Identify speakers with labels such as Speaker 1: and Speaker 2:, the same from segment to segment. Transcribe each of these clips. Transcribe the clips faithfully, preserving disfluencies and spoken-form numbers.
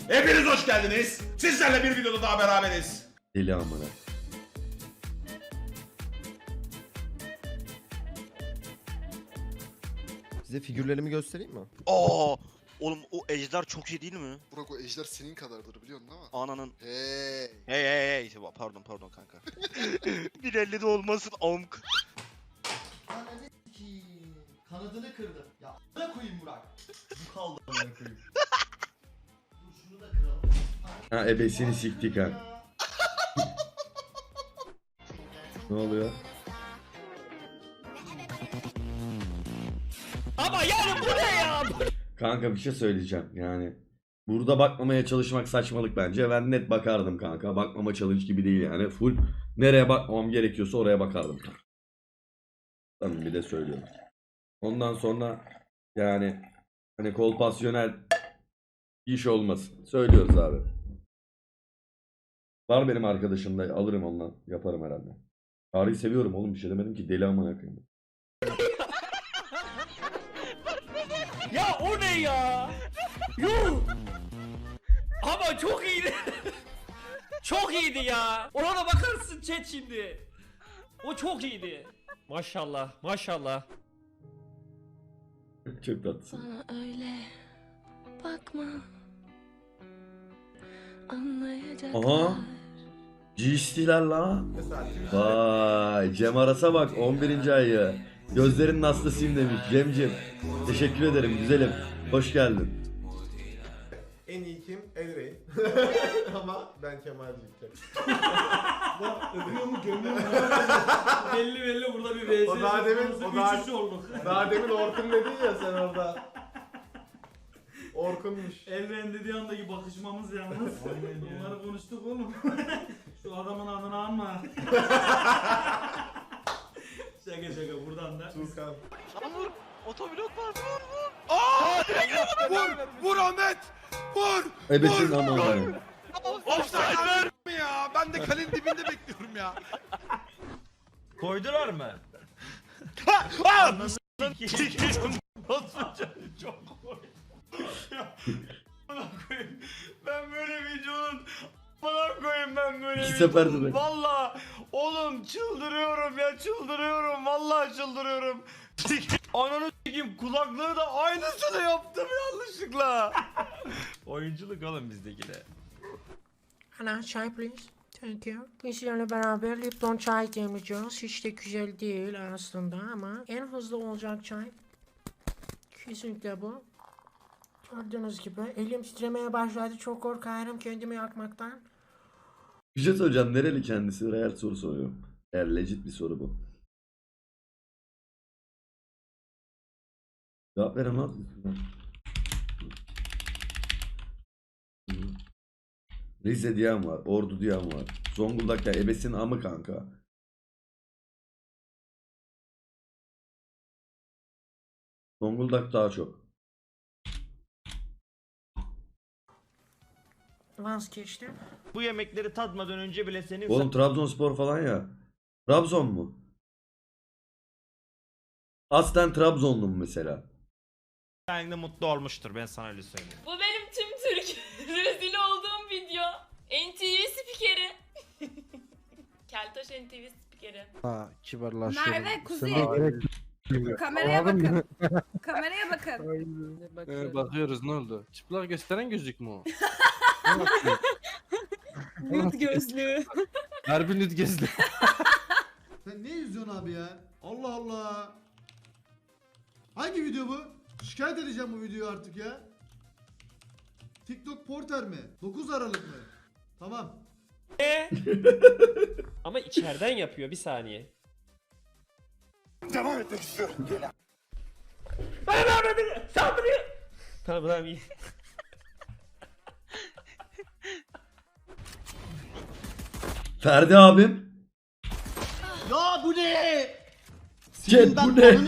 Speaker 1: Hepiniz hoş geldiniz. Sizlerle bir videoda daha beraberiz.
Speaker 2: Deli amına.
Speaker 3: Size figürlerimi göstereyim mi?
Speaker 4: Aa, oğlum o ejder çok iyi değil mi?
Speaker 5: Burak o ejder senin kadardır biliyorsun değil mi?
Speaker 4: Ananın.
Speaker 5: Hey.
Speaker 4: Hey hey hey. Pardon pardon kanka. bir elli de olmasın amk.
Speaker 3: Ananı s**eyim. Kanadını kırdım. Ya a**ına koyayım Burak. Bu kaldı a**ına koyayım. Dur şunu da kıralım.
Speaker 2: Ha ebesini siktik ha. Ne oluyor?
Speaker 6: Ama yani bu ne ya?
Speaker 2: Kanka bir şey söyleyeceğim yani. Burada bakmamaya çalışmak saçmalık bence. Ben net bakardım kanka. Bakmama challenge gibi değil yani. Full nereye bakmam gerekiyorsa oraya bakardım. Tamam bir de söylüyorum. Ondan sonra yani hani kolpasyonel iş olmasın. Söylüyoruz abi. Var benim arkadaşım da alırım ondan. Yaparım herhalde. Tarihi seviyorum oğlum bir şey demedim ki deli amına koyayım.
Speaker 6: Ya o ne ya? Yuh! Ama çok iyiydi. Çok iyiydi ya. Ona da bakarsın chat şimdi. O çok iyiydi. Maşallah, maşallah.
Speaker 2: Çok tatlısın.
Speaker 7: Bana öyle bakma. Anlayacaklar.
Speaker 2: Aha. G S T'ler la. Vay Cem Aras'a bak on birinci ayı. Gözlerin nasılsın demiş Cemcim. Teşekkür ederim güzelim. Hoş geldin.
Speaker 8: En iyi kim? Elrein. Ama ben Kemal diyeceğim.
Speaker 6: Öpüyor mu gömüyor mu? belli belli burada bir V S.
Speaker 8: O daha demin- o daha-
Speaker 6: Üçüncü olduk.
Speaker 8: Daha demin Orkun dedin ya sen orada. Orkunmuş.
Speaker 6: Elren dediği andaki bakışmamız yalnız. Bunları konuştuk oğlum. Şu adamın adını anma. şaka şaka buradan da.
Speaker 8: Tuğkan.
Speaker 4: Sana vur. Otopilot var. Vur vur.
Speaker 1: Vur! Vur Ahmet! Vur!
Speaker 2: Ebesin aman benim.
Speaker 1: Offside ver mi ya? Ben de kalenin dibinde bekliyorum ya.
Speaker 6: Koydular mı? Çok koy. Ya, bana koyayım. Ben böyle videonun bana koyayım ben böyle
Speaker 2: İki
Speaker 6: videonun.
Speaker 2: seferde de.
Speaker 6: Valla oğlum çıldırıyorum ya çıldırıyorum. Vallahi çıldırıyorum. Ananı s**eyim kulaklığı da aynısını yaptım yanlışlıkla. Oyunculuk oğlum bizdeki de.
Speaker 9: Ana çay please. Thank you. Bizlerle beraber Lipton çay demleyeceğiz. Hiç de güzel değil aslında ama en hızlı olacak çay. Kesinlikle bu. Gördüğünüz gibi elim titremeye başladı. Çok korkarım kendimi yakmaktan.
Speaker 2: Bir şey söyleyeceğim. Nereli kendisi? Real soru soruyorum. Eğer legit bir soru bu. Cevap veremez misin? Rize diyen var. Ordu diyen var. Zonguldak ya ebesin amı kanka. Zonguldak daha çok.
Speaker 9: Vazgeçtim.
Speaker 6: Bu yemekleri tadmadan önce bile senin
Speaker 2: Oğlum Trabzonspor falan ya. Trabzon mu? Aslen Trabzonlu mu mesela?
Speaker 6: sayende mutlu olmuştur ben sana öyle söyleyeyim.
Speaker 7: Bu benim tüm Türk rezil olduğum video. N T V spikeri. Keltoş N T V spikeri.
Speaker 10: Ha, kibarlaşıyorum.
Speaker 11: Merve, Kuzey.
Speaker 10: Sana gerek
Speaker 11: Kameraya bakın. Kameraya bakın.
Speaker 10: Ee, bakıyoruz ne oldu? Çıplak gösteren gözlük mü o?
Speaker 11: Nude gözlüğü.
Speaker 10: Harbi nüt gözlü.
Speaker 3: Sen ne izliyorsun abi ya? Allah Allah. Hangi video bu? Şikayet edeceğim bu videoyu artık ya. TikTok Porter mi? dokuz Aralık mı? Tamam.
Speaker 6: Ama içeriden yapıyor bir saniye.
Speaker 1: Devam etmek istiyorum.
Speaker 6: Bana bana beni saldırıyor. Tamam tamam iyi.
Speaker 2: Ferdi abim.
Speaker 3: Ya bu ne?
Speaker 2: Chat bu ne?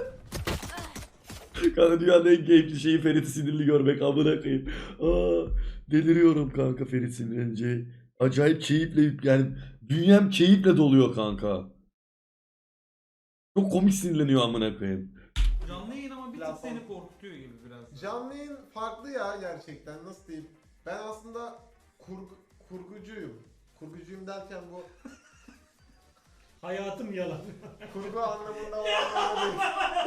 Speaker 2: Kanka dünyanın en keyifli şeyi Ferit'i sinirli görmek amına koyayım. Aa, deliriyorum kanka Ferit sinirlenince. Acayip keyifle yani dünyam keyifle doluyor kanka. Çok komik sinirleniyor amına koyayım.
Speaker 6: Canlı yayın ama bir tık seni korkutuyor gibi biraz.
Speaker 8: Canlı yayın farklı ya gerçekten. Nasıl diyeyim? Ben aslında kurgu, kurgucuyum. Kurgucuyum derken bu
Speaker 6: Hayatım yalan.
Speaker 8: kurgu anlamında o anlamda değil.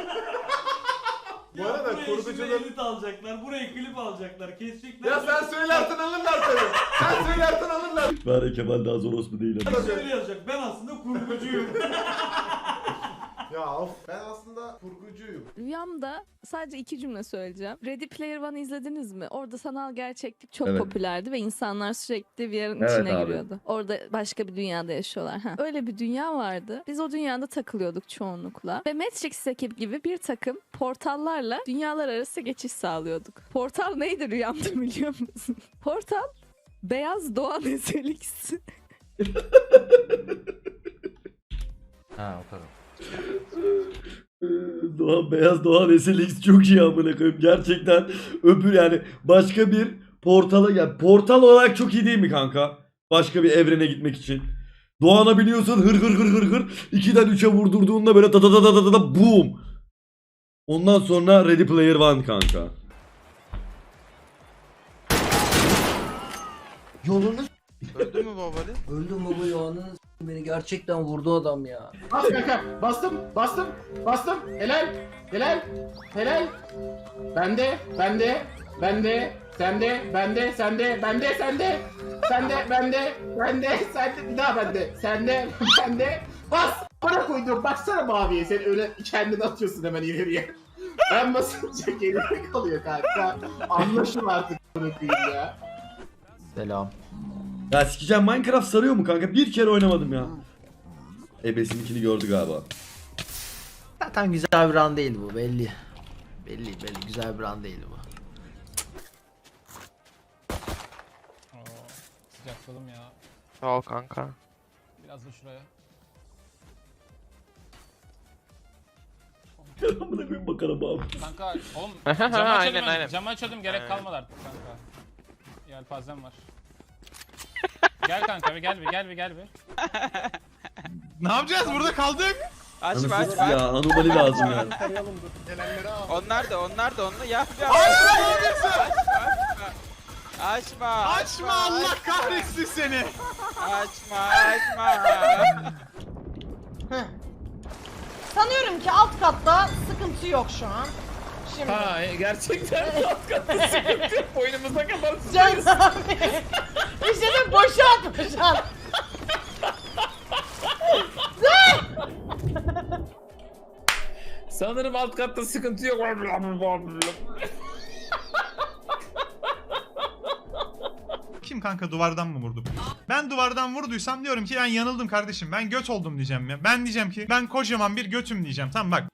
Speaker 8: Bu arada kurgucuların...
Speaker 6: edit alacaklar, buraya klip alacaklar, kesecekler.
Speaker 8: Ya sen söylersen alırlar tabii. Sen söylersen alırlar.
Speaker 2: Bari Kemal daha zor orospu değil.
Speaker 6: Şöyle yazacak, ben aslında kurgucuyum.
Speaker 8: Ya of. Ben aslında kurgucuyum.
Speaker 11: Rüyamda sadece iki cümle söyleyeceğim. Ready Player One izlediniz mi? Orada sanal gerçeklik çok
Speaker 2: Evet.
Speaker 11: popülerdi ve insanlar sürekli V R'ın
Speaker 2: Evet
Speaker 11: içine
Speaker 2: abi.
Speaker 11: giriyordu. Orada başka bir dünyada yaşıyorlar. Ha. Öyle bir dünya vardı. Biz o dünyada takılıyorduk çoğunlukla. Ve Matrix ekip gibi bir takım portallarla dünyalar arası geçiş sağlıyorduk. Portal neydi rüyamda biliyor musun? Portal Beyaz Doğan Ezelix.
Speaker 6: Ha o kadar.
Speaker 2: Doğan Beyaz Doğan S L X çok iyi amına koyayım. Gerçekten öbür yani başka bir portala yani portal olarak çok iyi değil mi kanka? Başka bir evrene gitmek için. Doğan'a biliyorsun hır hır hır hır hır ikiden üçe vurdurduğunda böyle ta ta ta ta ta ta boom. Ondan sonra Ready Player One kanka.
Speaker 12: Yolunu
Speaker 4: Öldü mü babali?
Speaker 12: öldüm baba ya, ananı s**eyim, beni gerçekten vurdu adam ya.
Speaker 8: Bas kanka. Bastım. Bastım. Bastım. Helal. Helal. Helal. Bende. Bende. Bende. Sende. Bende. Sende. Bende. Sende. Sende. Bende. Bende. Sende. Bir daha bende. Sende. Bende. Bas. Bana koydum. Baksana maviye. Sen öyle kendini atıyorsun hemen ileriye. Ben basınca geride kalıyor kanka. Anlaşın artık bunu koyayım ya.
Speaker 12: Selam.
Speaker 2: Ya sikeceğim Minecraft sarıyor mu kanka? Bir kere oynamadım ya. Ebesininkini gördü galiba.
Speaker 12: Zaten güzel bir run değil bu, belli. Belli belli, güzel bir run değil bu.
Speaker 6: Sıcakladım ya.
Speaker 4: Sağ ol kanka.
Speaker 6: Biraz da şuraya.
Speaker 2: Amına koyayım bakalım abi.
Speaker 6: Kanka oğlum
Speaker 4: Aynen,
Speaker 6: camı açıyordum,
Speaker 4: aynen.
Speaker 6: camı açıyordum gerek
Speaker 4: Aynen.
Speaker 6: kalmadı artık kanka. Yelpazem var. Gel kanka bir gel bir gel bir gel bir.
Speaker 1: Ne yapacağız? Burada kaldık.
Speaker 4: Açma
Speaker 2: Anasını
Speaker 4: açma.
Speaker 2: ya anomali lazım ya.
Speaker 4: Onlar da onlar da onlar. Ya ya. Açma.
Speaker 1: Açma Allah kahretsin seni.
Speaker 4: Açma açma.
Speaker 11: Sanıyorum ki alt katta sıkıntı yok şu an. Şimdi.
Speaker 6: Ha gerçekten alt katta sıkıntı yok. Boynumuza kadar
Speaker 11: Can abi. İşte de boşalt boşalt.
Speaker 6: Sanırım alt katta sıkıntı yok.
Speaker 1: Kim kanka duvardan mı vurdu? Ben duvardan vurduysam diyorum ki ben yanıldım kardeşim. Ben göt oldum diyeceğim ya. Ben diyeceğim ki ben kocaman bir götüm diyeceğim. Tamam bak.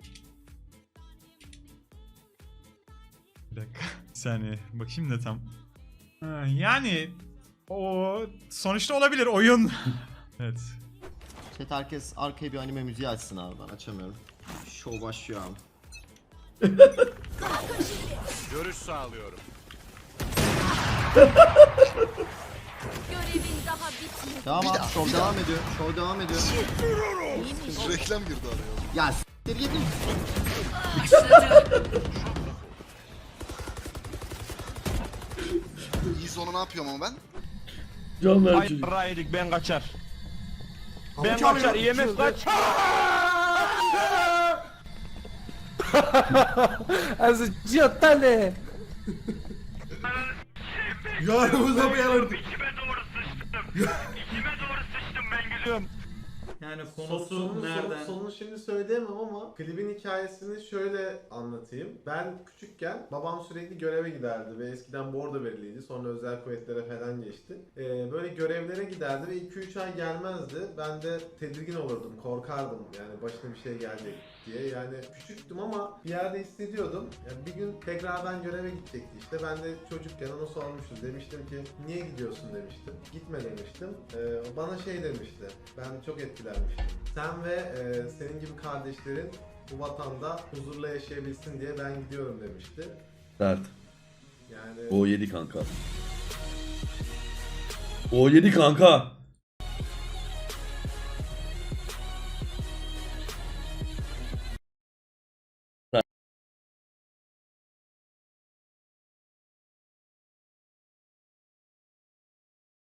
Speaker 1: Bir dakika. Bir saniye. Bakayım da tam. Ha, yani o sonuçta olabilir oyun. Evet.
Speaker 12: Chat herkes arkaya bir anime müziği açsın abi, ben açamıyorum. Show başlıyor abi.
Speaker 1: Görüş sağlıyorum.
Speaker 7: Görevin daha bitmedi.
Speaker 12: Devam abi, show devam ediyor. Show devam ediyor.
Speaker 5: Reklam girdi araya.
Speaker 12: Ya s**tir gidin.
Speaker 5: İyi sonu ne yapıyorum ama ben?
Speaker 2: Can ver çocuk.
Speaker 6: Raydik ben kaçar.
Speaker 12: Ben kaçar, I M F kaç.
Speaker 10: Also Giottale.
Speaker 3: Yanımıza mı yanırdık?
Speaker 6: Yani
Speaker 8: Sonunu, sonunu şimdi söyleyemem ama klibin hikayesini şöyle anlatayım. Ben küçükken babam sürekli göreve giderdi ve eskiden bordo veriliydi. Sonra özel kuvvetlere falan geçti. Ee, böyle görevlere giderdi ve iki üç ay gelmezdi. Ben de tedirgin olurdum, korkardım yani başına bir şey gelecek diye. Yani küçüktüm ama bir yerde hissediyordum. Yani bir gün tekrardan göreve gidecekti işte. Ben de çocukken ona sormuştum. Demiştim ki niye gidiyorsun demiştim. Gitme demiştim. Ee, o bana şey demişti. Ben çok etkilenmiştim. Sen ve e, senin gibi kardeşlerin bu vatanda huzurla yaşayabilsin diye ben gidiyorum demişti.
Speaker 2: Sert.
Speaker 8: Yani
Speaker 2: O yedi kanka. O yedi kanka.